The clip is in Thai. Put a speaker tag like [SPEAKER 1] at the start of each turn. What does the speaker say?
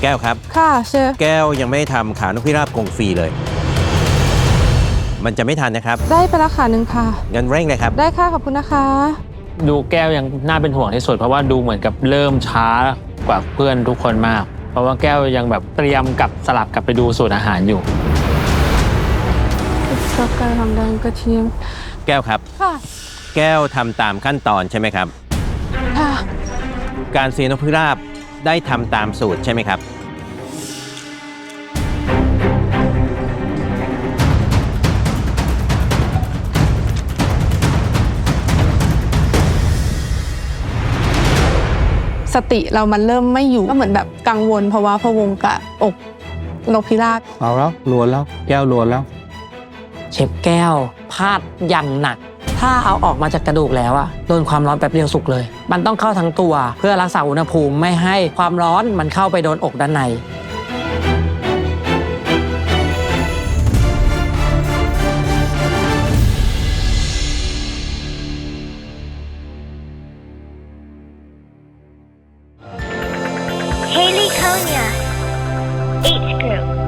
[SPEAKER 1] แก้วครับ
[SPEAKER 2] ค่ะเชฟ
[SPEAKER 1] แก้วยังไม่ได้ทำขานกพิราบกงฟรีเลย มันจะไม่ทันนะครับ
[SPEAKER 2] ได้ไปละค่ะหนึ่งค่ะ
[SPEAKER 1] งั้นเร่งเลยครับ
[SPEAKER 2] ได้ค่ะขอบคุณนะคะ
[SPEAKER 3] ดูแก้วยังน่าเป็นห่วงที่สุดเพราะว่าดูเหมือนกับเริ่มช้ากว่าเพื่อนทุกคนมาก เพราะว่าแก้วยังแบบเตรียมกับสลับกลับไปดูสูตรอาหารอยู่
[SPEAKER 2] ซอสไก่หอมแดงกระเทียม
[SPEAKER 1] แก้วครับ
[SPEAKER 2] ค่ะ
[SPEAKER 1] แก้วทำตามขั้นตอนใช่ไหมครับ
[SPEAKER 2] ค่ะ
[SPEAKER 1] การเสียนกพิราบได้ทำตามสูตรใช่ไหมครับ
[SPEAKER 2] สติเรามันเริ่มไม่อยู่ก็เหมือนแบบกังวลเพราะว่าพะวงกับอกนกพิราบ
[SPEAKER 1] เอาแล้วลวนแล้วแก้วลวนแล้ว
[SPEAKER 4] เชฟแก้วพลาดอย่างหนัก ถ้าเอาออกมาจากกระดูกแล้วอะโดนความร้อนแป๊บเดียวสุกเลย มันต้องเข้าทั้งตัวเพื่อรักษาอุณหภูมิไม่ให้ความร้อนมันเข้าไปโดนอกด้านใน
[SPEAKER 5] Haley Konya, H Group.